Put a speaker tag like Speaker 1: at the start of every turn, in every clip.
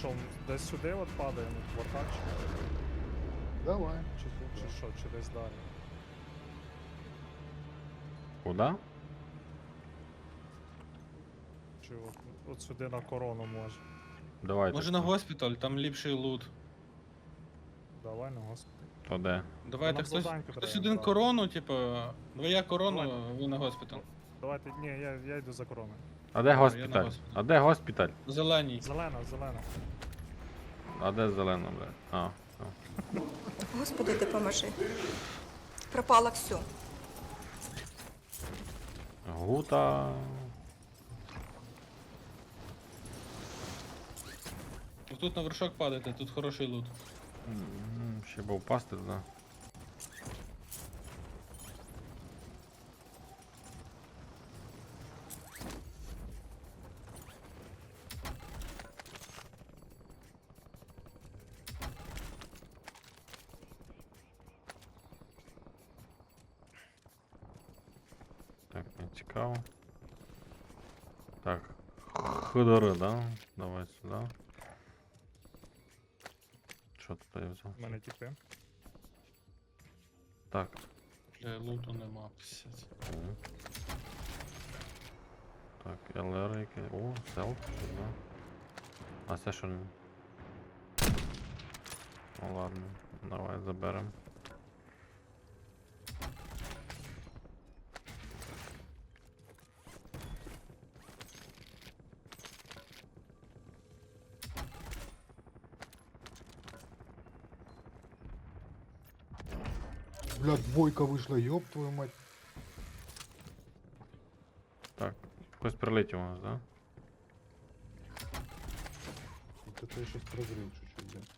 Speaker 1: що, десь сюди от падаємо, в вартач?
Speaker 2: Давай.
Speaker 1: Чи що, чи десь далі?
Speaker 3: Куда?
Speaker 1: Чи от сюди на корону може?
Speaker 3: Давайте.
Speaker 4: Може на госпіталь, там ліпший лут.
Speaker 1: Давай на госпіталь.
Speaker 3: То де?
Speaker 4: Давайте
Speaker 1: нам
Speaker 4: хтось,
Speaker 1: завданьку
Speaker 4: хтось
Speaker 1: треба
Speaker 4: один
Speaker 1: брати.
Speaker 4: корону, типу, я корону,
Speaker 1: Давай.
Speaker 4: ви на госпіталь.
Speaker 1: Давайте, ні, я йду за короною.
Speaker 3: А де
Speaker 4: я на
Speaker 3: госпіталь?
Speaker 4: госпіталь.
Speaker 3: А де госпіталь?
Speaker 4: Зеленій.
Speaker 1: Зелена, зелена.
Speaker 3: А де зелена, блядь? А, все.
Speaker 5: Господи, допоможи. Пропало все.
Speaker 3: Гута.
Speaker 4: Тут на вершок падайте, тут хороший лут.
Speaker 3: Ще би впасти туди. Так, не цікаво. Так, ходори, да? Давай сюди. Що тут я взяв?
Speaker 1: У мене тіпи.
Speaker 3: Так.
Speaker 4: Бля, луту нема, писять.
Speaker 3: Мгм. Так, ЛР який. О, селф, да. А це що не? Ну ладно, давай заберем.
Speaker 2: Бля, двойка вийшла, ёб твою мать.
Speaker 3: Так, хтось прилетів у нас, да?
Speaker 2: Вот это я сейчас прозрел чуть-чуть, да.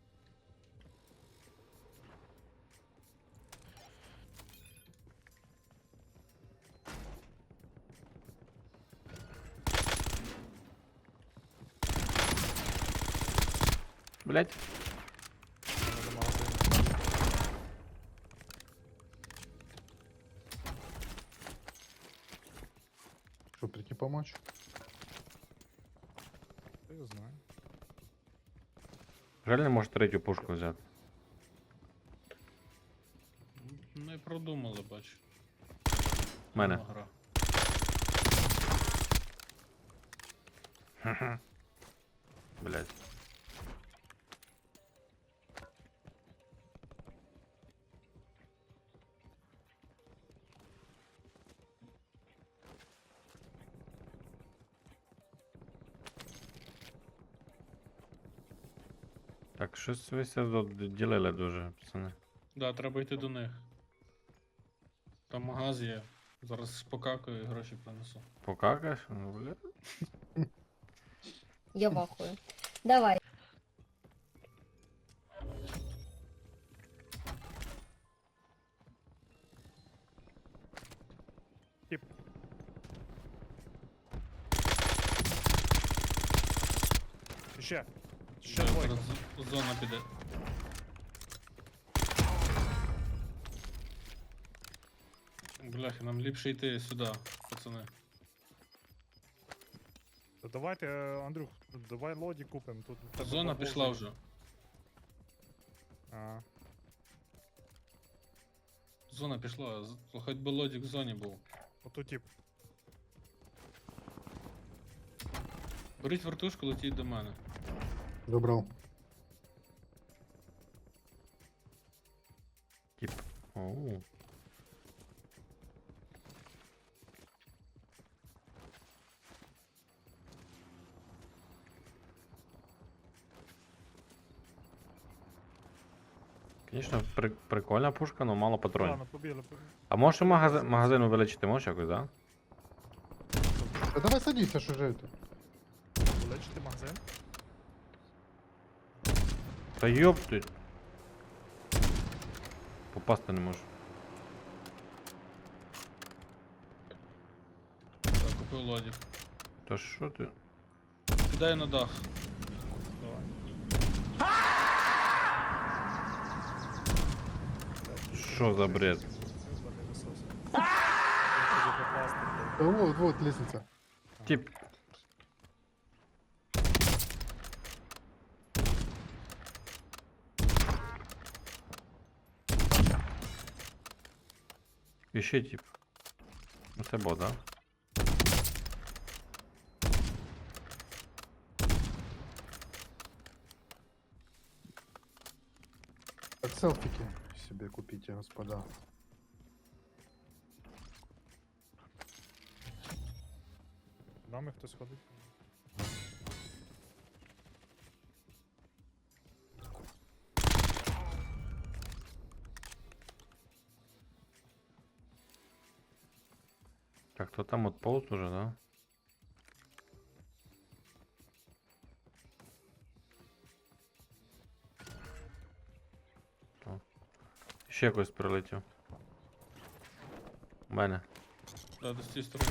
Speaker 3: Блять.
Speaker 1: У мене до магазину.
Speaker 2: Что, прийти помочь?
Speaker 1: Я його знаю.
Speaker 3: Жаль, не може третю пушку взяти.
Speaker 4: Ми продумали, бач.
Speaker 3: Мене.
Speaker 4: Гра.
Speaker 3: Блять. Так, щось ви ся тут ділили дуже, пацани.
Speaker 4: Да, треба йти до них. Там магаз є. Зараз покакаю і гроші принесу.
Speaker 3: Покакаєш? Ну, бля.
Speaker 6: Я в ахуе. Давай.
Speaker 1: Тіп. Ще. Ще
Speaker 4: Бля,
Speaker 1: двойка.
Speaker 4: зараз зона піде. Бляхи, нам ліпше йти сюди, пацани.
Speaker 1: Та давайте, Андрюх, давай лоді купимо. Тут в тебе
Speaker 4: Зона
Speaker 1: бабло
Speaker 4: пішла
Speaker 1: є.
Speaker 4: вже.
Speaker 1: А,
Speaker 4: Зона пішла, хоч би лодік в зоні був.
Speaker 1: отут тип.
Speaker 4: Беріть вертушку, летіть до мене.
Speaker 2: Забрал.
Speaker 3: Тип. Оу. Звісно, прикольна пушка, але мало патронів.
Speaker 1: Ладно, побігли.
Speaker 3: А можеш магазин увеличити, можеш якось, да?
Speaker 2: Да давай садись, а что же это?
Speaker 1: Лечити магазин.
Speaker 3: Та йоп ти. Попасти не можу.
Speaker 4: Так, купив лодік.
Speaker 3: Та що ти?
Speaker 4: Кидаю на дах.
Speaker 1: Давай.
Speaker 3: Що за бред?
Speaker 1: Ебаний насос. Я тобі попасти, блядь.
Speaker 2: Да вот лестница.
Speaker 3: Тип. Іще тип. Ну це бот, да?
Speaker 2: Так селфики себе купите, господа.
Speaker 1: Нами хтось ходить.
Speaker 3: Так, то там от полз уже, да? То. Ще когось прилетів. У мене.
Speaker 4: Да, до цієї сторони.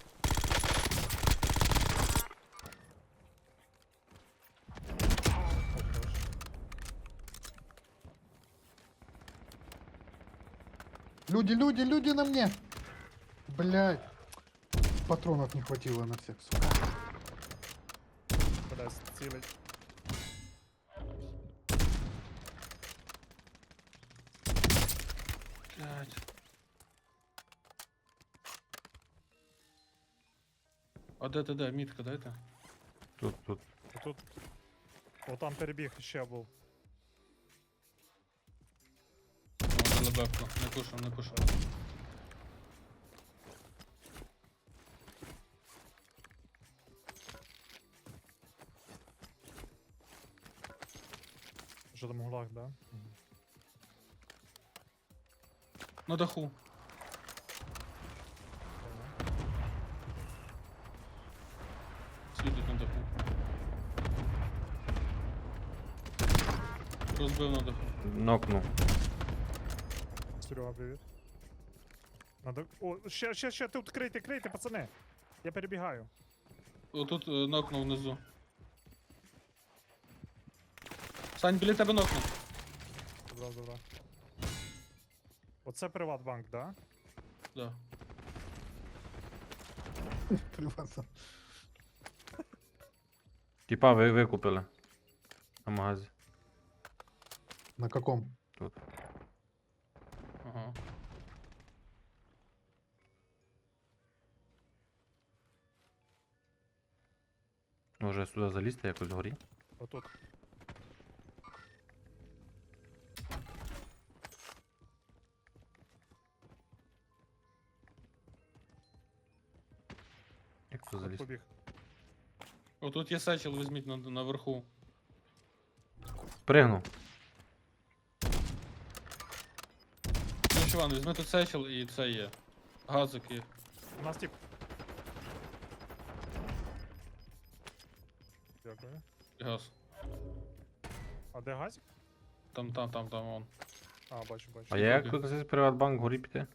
Speaker 2: Люди на мне! Блядь. Патронов не хватило на всех, сука.
Speaker 1: Кудись цілить.
Speaker 4: Блядь. А де ти де? Мітка дайте.
Speaker 3: Тут.
Speaker 1: Тут. О, там перебіг ще був.
Speaker 4: О, дали бепку. Не пушим, не пушим.
Speaker 1: Що там гулаг, да?
Speaker 4: На даху. Світить на даху. Розбив на даху.
Speaker 3: Нокнув.
Speaker 1: Серега, привіт. Надо... О, ще, тут крийте, пацани. Я перебігаю.
Speaker 4: Отут нокнув внизу. Сань, біля тебе нокнув.
Speaker 1: Добре. Оце Приватбанк, да?
Speaker 4: Да.
Speaker 2: Приватно.
Speaker 3: Типа ви викупили. На магазі.
Speaker 2: На каком?
Speaker 3: Тут.
Speaker 4: Ага.
Speaker 3: Може сюди залізти якось вгорі?
Speaker 1: Отут.
Speaker 3: Як тут
Speaker 1: От
Speaker 3: залізти?
Speaker 1: побіг.
Speaker 4: Отут є сечел, візьміть наверху.
Speaker 3: Пригнув.
Speaker 4: Ну, Іван, візьми тут сечел і це є. Газик є.
Speaker 1: У нас тип. Дякую.
Speaker 4: І газ.
Speaker 1: А де газик?
Speaker 4: Там, вон.
Speaker 1: А, бачу.
Speaker 3: А я як тут з Приватбанк вгорі піти?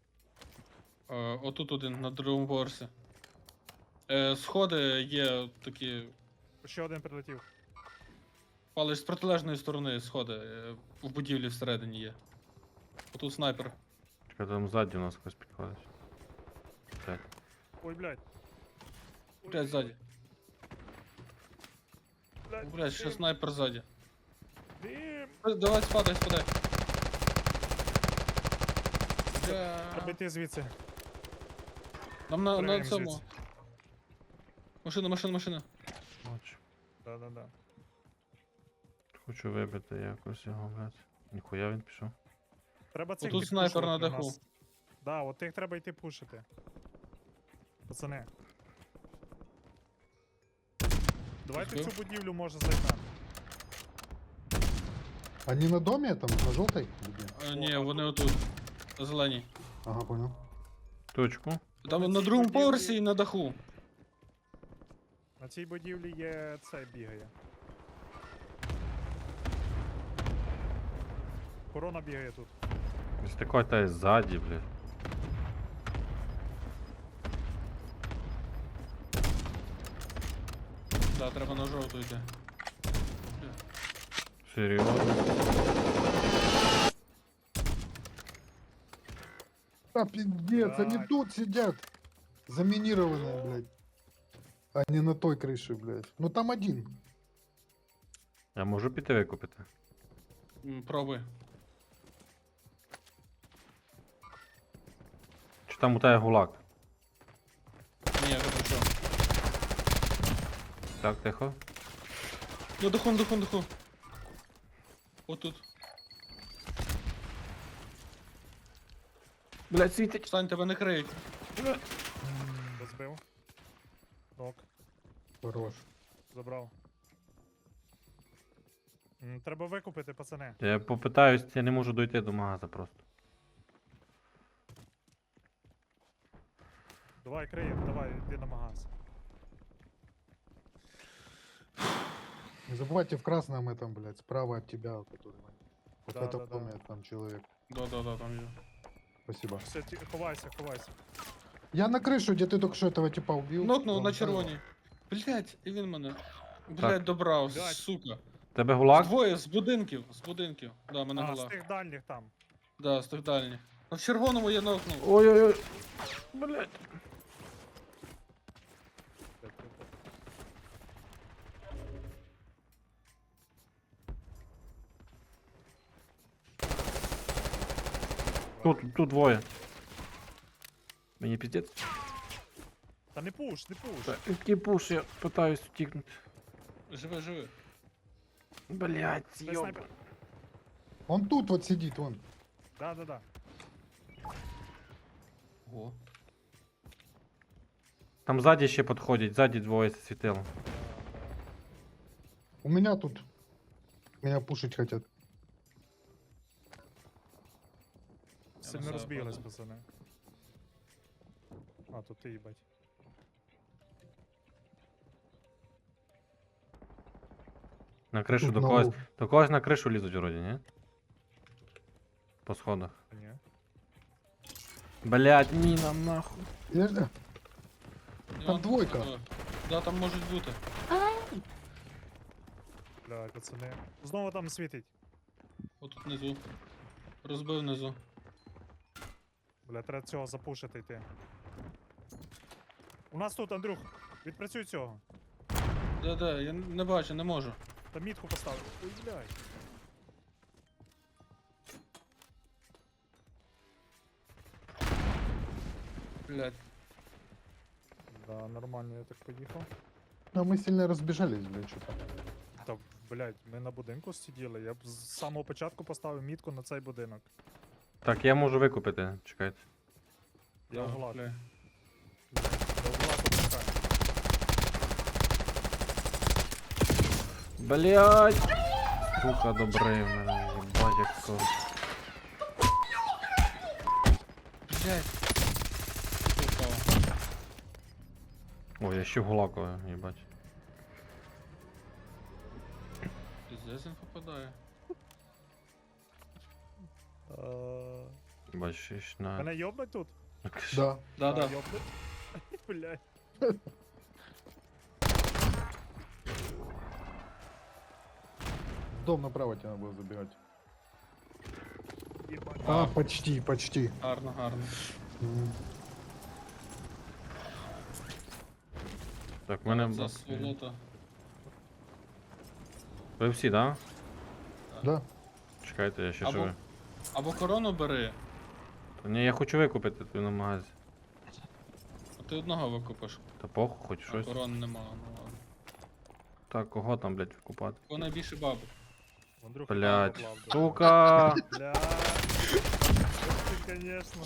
Speaker 4: Отут один, на другому поверсі. Сходи є такі.
Speaker 1: Ще один прилетів.
Speaker 4: Палиш з протилежної сторони сходи. В будівлі всередині є. Отут снайпер.
Speaker 3: Чекай, там ззаді у нас хтось підходить. Блядь.
Speaker 1: Ой, блядь. Ой,
Speaker 4: Блять, ззаді.
Speaker 1: блядь,
Speaker 4: Блять, ще
Speaker 1: дим,
Speaker 4: снайпер ззаді.
Speaker 1: дим.
Speaker 4: Давай спадай.
Speaker 1: Треба йти звідси.
Speaker 4: Нам на
Speaker 1: Прям
Speaker 4: цьому.
Speaker 1: звідси.
Speaker 4: Машина.
Speaker 3: Бачу.
Speaker 1: Да.
Speaker 3: Хочу вибити якось його, блядь. Ніхуя він пішов.
Speaker 1: Треба цих
Speaker 4: Отут снайпер на
Speaker 1: підпушувати
Speaker 4: даху.
Speaker 1: нас. Да, от тих треба йти пушити. Пацани. Давайте
Speaker 4: Збив?
Speaker 1: цю будівлю може зайдемо.
Speaker 2: Они на доме там, на желтой?
Speaker 4: Ні, вони отут. На зеленій.
Speaker 2: Ага, понял.
Speaker 3: Точку.
Speaker 4: Там
Speaker 1: на
Speaker 4: на
Speaker 1: цій
Speaker 4: другому
Speaker 1: будівлі-
Speaker 4: поверсі і на даху.
Speaker 1: На цій будівлі є цей бігає. Корона бігає тут.
Speaker 3: Ось такой та ззаді, блядь.
Speaker 4: Да, треба на жовту йти.
Speaker 3: Серйозно?
Speaker 2: А, пиздец, они
Speaker 1: Так.
Speaker 2: тут сидят. Заминированные, блядь. А не на той крыше, блядь. Ну там один.
Speaker 3: Я можу піти викупити.
Speaker 4: Пробуй.
Speaker 3: Чи там у тебе гулак?
Speaker 4: Ні, я вийшов.
Speaker 3: Так, тихо.
Speaker 4: На даху, на даху, на даху. Отут.
Speaker 3: Блять, світить.
Speaker 4: Встань, тебе не криють.
Speaker 1: Розбив. Нок,
Speaker 2: Хорош.
Speaker 1: забрав. Треба викупити, пацани.
Speaker 3: Я попитаюсь, я не можу дойти до магаза просто.
Speaker 1: Давай, криємо, давай, йди на магаз.
Speaker 2: Не забывайте в красном этом, блядь, справа от тебя, который... Вот
Speaker 1: Да,
Speaker 2: в этом
Speaker 1: да, да.
Speaker 2: доме там человек.
Speaker 4: Да, там є.
Speaker 2: Спасибо.
Speaker 1: Все, ховайся, ховайся.
Speaker 2: Я на крышу, где ты только что этого типа убил.
Speaker 4: Нокнув
Speaker 2: Вон,
Speaker 4: на
Speaker 2: да,
Speaker 4: червоній. Блять, і він мене.
Speaker 3: Так.
Speaker 4: Блять, добрав,
Speaker 1: Блядь.
Speaker 4: сука.
Speaker 3: Тебе гулак?
Speaker 4: Двоє з будинків, з будинків. Да, мене
Speaker 1: А, з
Speaker 4: була.
Speaker 1: тих дальніх там.
Speaker 4: Да, з тих дальніх. А в червоному я нокнув.
Speaker 3: Ой-ой-ой. Блять. Тут двоє. Мені піздець.
Speaker 1: Та не пуш, не пуш.
Speaker 3: Який пуш, я питаюсь втікнути.
Speaker 4: Живи, живи.
Speaker 3: Блять,
Speaker 1: Це
Speaker 3: йоб.
Speaker 1: снайпер.
Speaker 2: Он тут вот сидит, вон.
Speaker 1: Да.
Speaker 4: О.
Speaker 3: Там ззаді ще підходять, ззаді двоє світило.
Speaker 2: У меня тут. Меня пушить хотят.
Speaker 1: Сильно
Speaker 4: на
Speaker 1: розбіглись,
Speaker 4: западу.
Speaker 1: пацани. А, тут ти, їбать.
Speaker 3: На кришу
Speaker 2: Тут
Speaker 3: до
Speaker 2: на
Speaker 3: когось.
Speaker 2: лоб.
Speaker 3: До когось на кришу лізуть вроді, ні? По сходах.
Speaker 1: Ні.
Speaker 3: Блять, міна нахуй.
Speaker 2: Я...
Speaker 4: Я-
Speaker 2: двойка.
Speaker 4: Да, там можуть бути.
Speaker 1: Бля, пацани. Знову там світить.
Speaker 4: Отут внизу. Розбив внизу.
Speaker 1: Бля, треба цього запушити йти. У нас тут, Андрюх, відпрацюй цього.
Speaker 4: Де, я не бачу, не можу.
Speaker 1: Та мітку поставив. Ой, блядь.
Speaker 4: Блять.
Speaker 1: Да, нормально, я так поїхав.
Speaker 2: А мы сильно разбежались, блядь, что-то.
Speaker 1: Та, блядь, ми на будинку сиділи. Я б з самого початку поставив мітку на цей будинок.
Speaker 3: Так, я можу викупити, чекайте.
Speaker 1: Я в гулаг.
Speaker 4: Бля.
Speaker 1: До гулаку пускаю.
Speaker 3: Блять! Сука, добрий в мене, їбать як сон.
Speaker 4: Блять. Упав.
Speaker 3: Ой, я ще гулаковий, їбать.
Speaker 4: Пиздец він попадає.
Speaker 3: Їбать, ще ж на...
Speaker 1: Мене йобнуть тут?
Speaker 2: Да.
Speaker 4: Да.
Speaker 1: Йобнуть. Блядь.
Speaker 2: В дом направо тебе надо было забегать.
Speaker 1: Єбать.
Speaker 2: А, почти.
Speaker 4: Гарно.
Speaker 2: М.
Speaker 3: Так, в мене...
Speaker 4: За сволота.
Speaker 3: Ви всі, да?
Speaker 2: Да.
Speaker 3: Чекайте, я ще
Speaker 4: Або-
Speaker 3: живий.
Speaker 4: Або корону бери,
Speaker 3: Та ні, я хочу викупити тут на магазі.
Speaker 4: а ти одного викупиш.
Speaker 3: Та похуй, хоч
Speaker 4: А
Speaker 3: щось.
Speaker 4: корон нема, ну ладно.
Speaker 3: Так, кого там, блять, викупати?
Speaker 4: Кого найбільше бабок?
Speaker 1: Андрюха,
Speaker 3: Блять,
Speaker 1: поклав, да.
Speaker 3: сука!
Speaker 1: Блядь. Ти, конечно.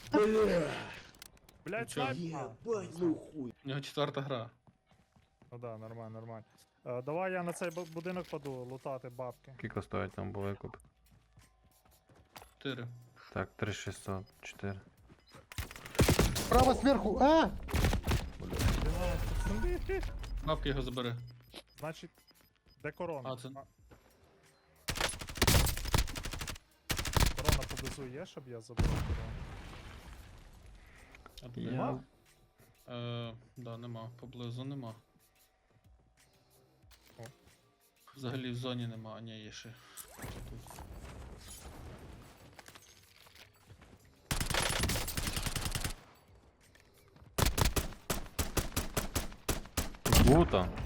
Speaker 1: Блядь,
Speaker 4: Чё?
Speaker 1: снайп.
Speaker 4: У нього 4-та гра.
Speaker 1: Ну да, нормально. Давай я на цей будинок паду лутати бабки.
Speaker 3: Скільки стоїть там був викуп?
Speaker 4: 4.
Speaker 3: Так, 3600, 4.
Speaker 2: Право сверху. А!
Speaker 4: Бабки його забери.
Speaker 1: Значить, де корона?
Speaker 4: А, це-
Speaker 1: Корона поблизу є, щоб я забрав корону.
Speaker 4: А тут
Speaker 3: Я-
Speaker 4: нема? Да, нема. Поблизу нема.
Speaker 1: О.
Speaker 4: Взагалі в зоні нема, а ні, є ще. Тут.
Speaker 3: Гута.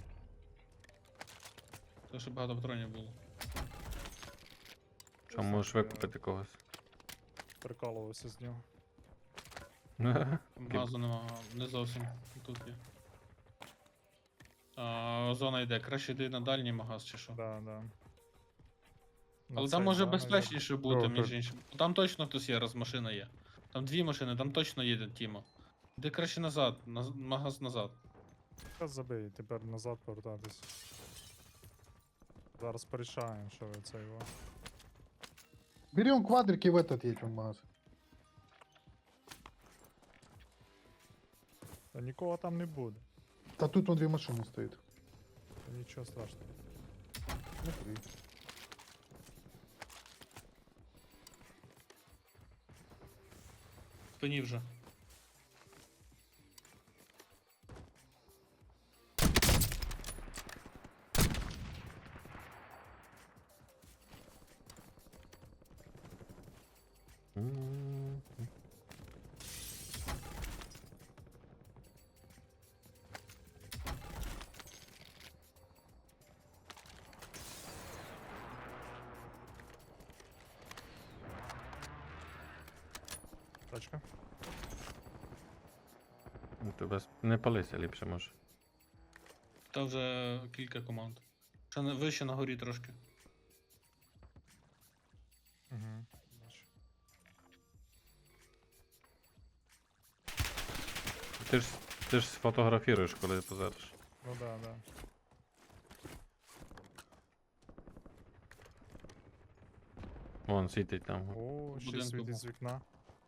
Speaker 4: Тому що багато патронів було.
Speaker 3: Що можеш викупити когось?
Speaker 1: Прикалувався з нього.
Speaker 4: Там газу нема, не зовсім. Тут є. Зона йде. Краще йди на дальній магаз чи що.
Speaker 1: Да, да.
Speaker 4: Але
Speaker 1: цей,
Speaker 4: там може
Speaker 1: да,
Speaker 4: безпечніше бути,
Speaker 2: Добре.
Speaker 4: між іншим. Там точно хтось є, раз машина є. Там дві машини, там точно їде Тімо. Іди краще назад, магаз назад.
Speaker 1: Та забий, тепер назад повертатись. Зараз порішаємо, що ви це його.
Speaker 2: Берем квадрики в этот едем магаз.
Speaker 1: Та нікого там не буде.
Speaker 2: Да тут вон 2 машины стоит.
Speaker 1: Та нічого страшного.
Speaker 2: Смотри.
Speaker 4: Спині вже.
Speaker 3: М.
Speaker 1: Тачка.
Speaker 3: Ну, ти не палися ліпше може.
Speaker 4: Та вже кілька команд. Ще вище на горі трошки.
Speaker 1: Угу. Бачу.
Speaker 3: Ти ж сфотографіруєш, коли позериш.
Speaker 1: Ну да, да.
Speaker 3: Вон світить там.
Speaker 1: О, ще
Speaker 4: Будинку
Speaker 1: світить
Speaker 4: був.
Speaker 1: з вікна.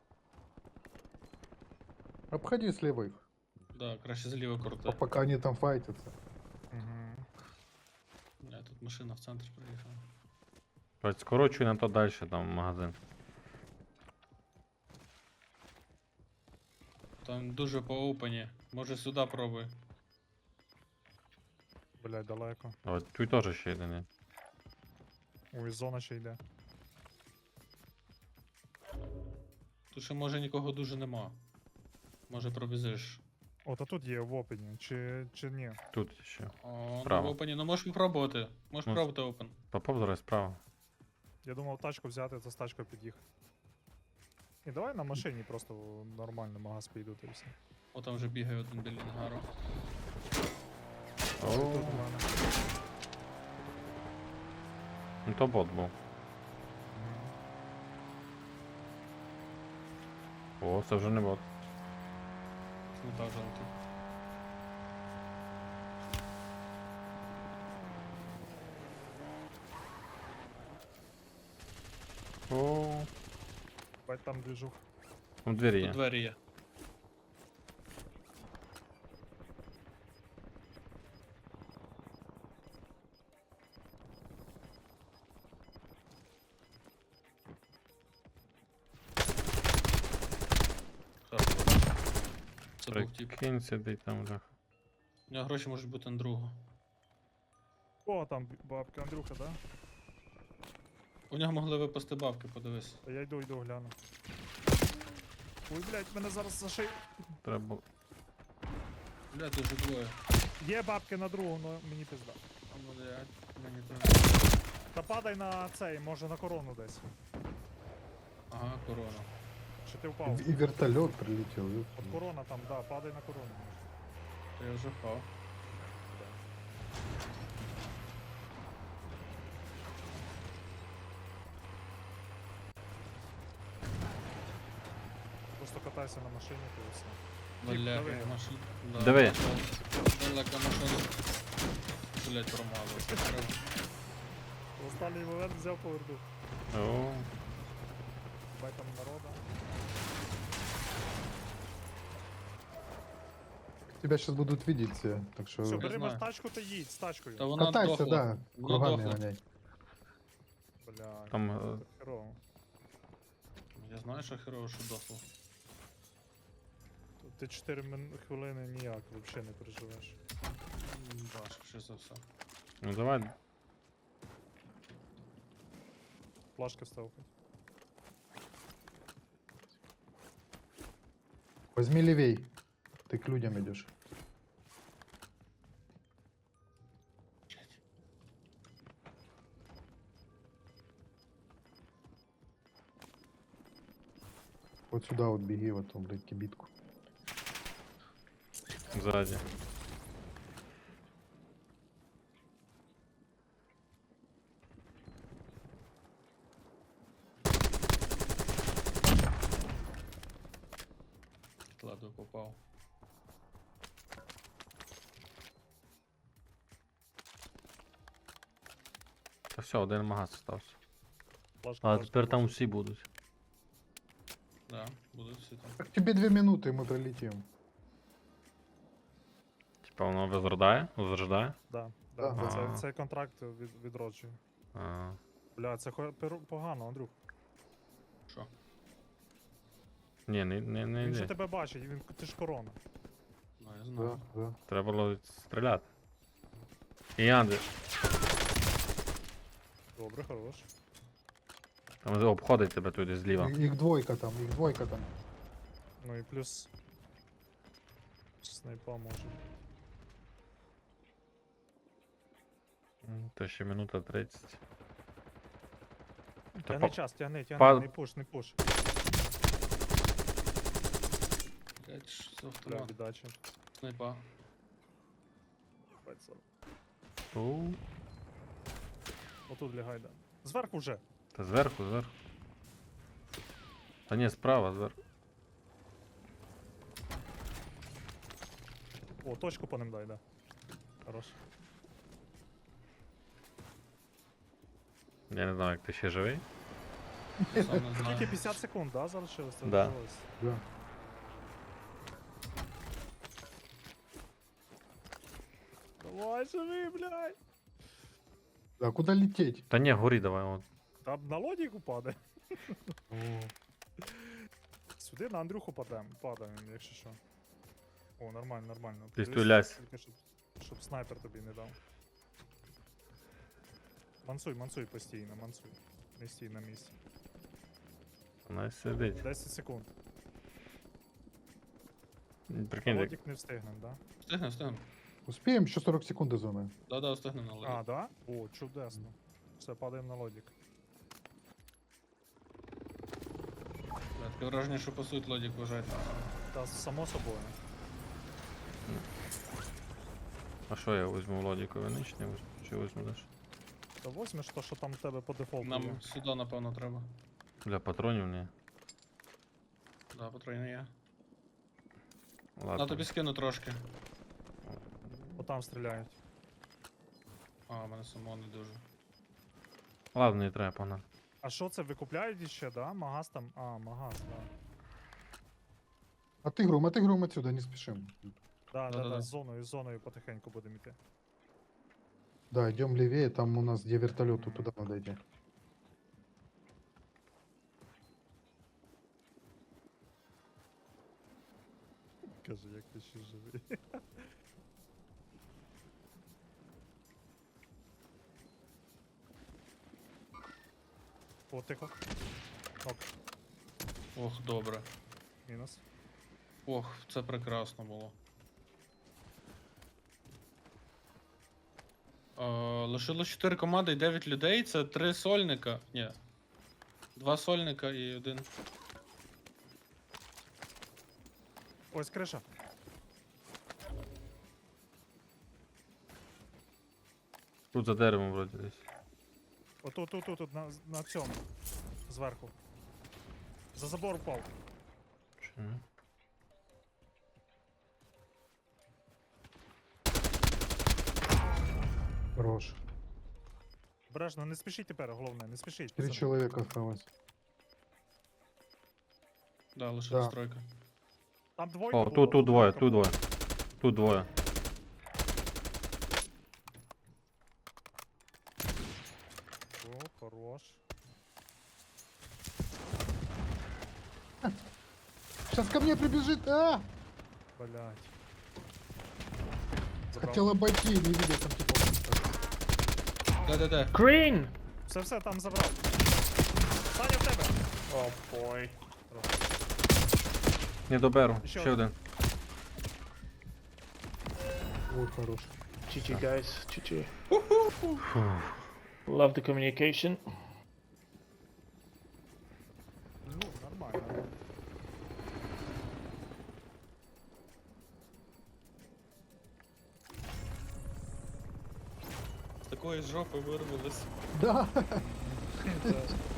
Speaker 2: Обходи слева их,
Speaker 4: Да, краще зліва крути.
Speaker 2: пока они там файтятся.
Speaker 1: Угу.
Speaker 4: Тут машина в центр приїхала.
Speaker 3: Бать, скорочуй на то далі, там магазин.
Speaker 4: Там дуже по опені. Може сюди пробуй.
Speaker 1: Блядь, далеко.
Speaker 3: А от тут теж ще один є.
Speaker 1: Ой, зона ще йде.
Speaker 4: Тут ще може нікого дуже нема. Може пробізиш.
Speaker 1: О, та тут є в опені, чи ні?
Speaker 3: Тут ще.
Speaker 4: О, ну
Speaker 3: Справа.
Speaker 4: в опені, ну можеш попробувати. Можеш
Speaker 3: Мож-
Speaker 4: пробувати опен.
Speaker 3: Попав зараз справа.
Speaker 1: Я думав тачку взяти, та з тачкою під'їхати. І давай на машині просто нормально магаз піду та і все.
Speaker 4: О, там вже бігає один біля ангару.
Speaker 1: Тут у мене.
Speaker 3: Ну то бот був. О, це вже не бот.
Speaker 4: Сміта жовтий.
Speaker 3: О,
Speaker 1: Бать там движух.
Speaker 3: там двері
Speaker 4: Тут
Speaker 3: є.
Speaker 4: двері є. Хорошо. Це був тип.
Speaker 3: Прикинь, сидить там вже.
Speaker 4: У нього гроші можуть бути на другу.
Speaker 1: О, там бабка Андрюха, да?
Speaker 4: У нього могли випасти бабки, подивись.
Speaker 1: Та я йду, гляну. Ой, блядь, мене зараз за шию.
Speaker 3: Треба.
Speaker 4: Бля, дуже двоє.
Speaker 1: Є бабки на другу, но мені пизда.
Speaker 4: А, блядь, мені теж.
Speaker 1: Та падай на цей, може на корону десь.
Speaker 4: Ага, корона.
Speaker 1: Чи ти впав?
Speaker 2: И вертолет прилетел. ёпта.
Speaker 1: От корона там, да, падай на корону.
Speaker 4: Та я вже впав.
Speaker 1: Просто катайся на машині, то і все.
Speaker 4: Бля,
Speaker 1: диви.
Speaker 4: машина.
Speaker 3: Диви.
Speaker 4: Далека машина. Блять, промазав.
Speaker 1: В останній момент взяв повернув.
Speaker 3: О,
Speaker 1: Бай там народа.
Speaker 2: Тебя сейчас будут видеть все, так что
Speaker 1: Все,
Speaker 4: Я
Speaker 1: бери
Speaker 4: знаю.
Speaker 1: тачку та їдь з тачкою.
Speaker 4: Та вона
Speaker 2: катайся,
Speaker 4: дохла.
Speaker 2: да,
Speaker 4: Вона
Speaker 2: кругами
Speaker 4: дохла.
Speaker 2: гоняй.
Speaker 1: Бля,
Speaker 3: там
Speaker 1: це херово.
Speaker 4: Я знаю, що херово, що дохло.
Speaker 1: Тут ти 4 хвилини ніяк взагалі не переживеш.
Speaker 4: Важко, що за все.
Speaker 3: ну давай.
Speaker 1: Флажки встав.
Speaker 2: Возьми левей. Ты к людям идешь. Вот сюда вот беги, в эту, блядь, кибитку.
Speaker 3: Ззаді.
Speaker 4: Ладно, попав.
Speaker 3: Та все, один магаз стався.
Speaker 1: Флешка,
Speaker 3: А
Speaker 1: флешка,
Speaker 3: тепер там
Speaker 1: флешка.
Speaker 3: всі будуть.
Speaker 4: Да, будуть всі там.
Speaker 2: Так тебе 2 минуты, и мы пролетим.
Speaker 3: Типа воно возрождає? Возрождає?
Speaker 1: Да,
Speaker 2: Да,
Speaker 1: да.
Speaker 3: да.
Speaker 1: Це контракт відроджує.
Speaker 3: А,
Speaker 1: Бля, це погано, Андрюх.
Speaker 4: Що?
Speaker 3: ні, не
Speaker 1: Він же
Speaker 3: йде.
Speaker 1: тебе бачить, ти ж корона.
Speaker 4: Ну, я
Speaker 2: Да,
Speaker 4: знаю.
Speaker 2: да.
Speaker 3: Треба було стріляти. І Андрій,
Speaker 1: Добре, хорош.
Speaker 3: там обходить тебе туди зліва.
Speaker 2: Их двойка там, их двойка там.
Speaker 1: Ну і плюс. Снайпа може.
Speaker 3: То ще минута 30. Та
Speaker 1: Тягни
Speaker 3: по-
Speaker 1: час, тягни,
Speaker 3: па-
Speaker 1: не пуш, не пуш.
Speaker 4: Блять, що за
Speaker 1: Бля,
Speaker 4: автомат?
Speaker 1: віддача.
Speaker 4: Снайпа.
Speaker 1: 540.
Speaker 3: У,
Speaker 1: Отут лягай, да. Зверху вже.
Speaker 3: Та зверху. Та ні, справа, зверху.
Speaker 1: О, точку по ним дай, да. Хорош.
Speaker 3: Я не знаю, як ти ще живий.
Speaker 4: Сам не
Speaker 1: Тільки
Speaker 4: знаю.
Speaker 1: 50 секунд, да, залишилось? Це
Speaker 3: Да.
Speaker 1: залишилось.
Speaker 2: Да.
Speaker 1: Давай, живи, блядь.
Speaker 2: А куда лететь?
Speaker 3: Та ні, горі давай. От.
Speaker 1: Там на лодіку падає. Сюди на Андрюху падаємо, якщо що. О, нормально, нормально.
Speaker 3: Ти
Speaker 1: Дивись,
Speaker 3: стріляйся.
Speaker 1: тільки щоб снайпер тобі не дав. Мансуй постійно, мансуй. Не стій на місці.
Speaker 3: Вона сидить.
Speaker 1: 10 секунд.
Speaker 3: Прикинь, як
Speaker 1: Лодік не встигнем, да?
Speaker 4: Встигнем.
Speaker 2: Успеем еще 40 секунд до зоны.
Speaker 4: Да, встигнем на лоді.
Speaker 1: А, да? О, чудесно. Все, падаємо на лодік.
Speaker 4: Таке враження, що по суті лодік вважають.
Speaker 1: Та само собою.
Speaker 3: А що я візьму лодікові нич, не візьму? Чи візьму далі?
Speaker 1: Та возьмеш то, що там в тебе по дефолту є.
Speaker 4: Нам сюди, напевно, треба.
Speaker 3: Для патронів ні.
Speaker 4: Да, патрони є.
Speaker 3: Ладно.
Speaker 4: На тобі скину трошки.
Speaker 1: Бо там стріляють.
Speaker 4: А, у мене самого не дуже.
Speaker 3: Ладно, не треба, погнали.
Speaker 1: А що це, викупляють ще, да? Магаз там? А, магаз, да.
Speaker 2: Отыгрываем отсюда, не спешим.
Speaker 4: Да-да-да.
Speaker 1: З зоною потихеньку будемо йти.
Speaker 2: Да, идем левее, там у нас где вертолет, вот туда надо идти.
Speaker 1: Каже, як ти ще живий. О, тихо. Ок,
Speaker 4: Ох, добре.
Speaker 1: мінус.
Speaker 4: Ох, це прекрасно було. Лишилось 4 команди і 9 людей. Це 3 сольника. Ні. 2 сольника і 1.
Speaker 1: Ось криша.
Speaker 3: Тут за деревом вроді десь.
Speaker 1: Отут, на цьому. Зверху. За забор впав.
Speaker 3: Чи ні?
Speaker 2: Хорош.
Speaker 1: Бережно, не спішіть тепер, головне, не спішіть.
Speaker 2: 3
Speaker 1: пацани.
Speaker 2: человека осталось.
Speaker 4: Да, лишилась
Speaker 2: Да.
Speaker 4: тройка.
Speaker 1: Там двойка
Speaker 3: О,
Speaker 1: була,
Speaker 3: тут двоє,
Speaker 1: двойка
Speaker 3: тут
Speaker 1: була.
Speaker 3: двоє. Тут двоє.
Speaker 1: О, хорош.
Speaker 2: Сейчас ко мне прибежит, а!
Speaker 1: Блять. Забрав.
Speaker 2: Хотел обойти, не видел там типа.
Speaker 4: Де.
Speaker 7: Green!
Speaker 1: Все, там забрав. Саня в тебе.
Speaker 7: Oh boy.
Speaker 3: Не доберу.
Speaker 1: Ще
Speaker 3: Ще один.
Speaker 2: Вот хорош.
Speaker 7: GG guys, GG. Love the communication.
Speaker 1: Ну, нормально.
Speaker 4: такої жопи вирвались.
Speaker 2: Да.
Speaker 1: Да.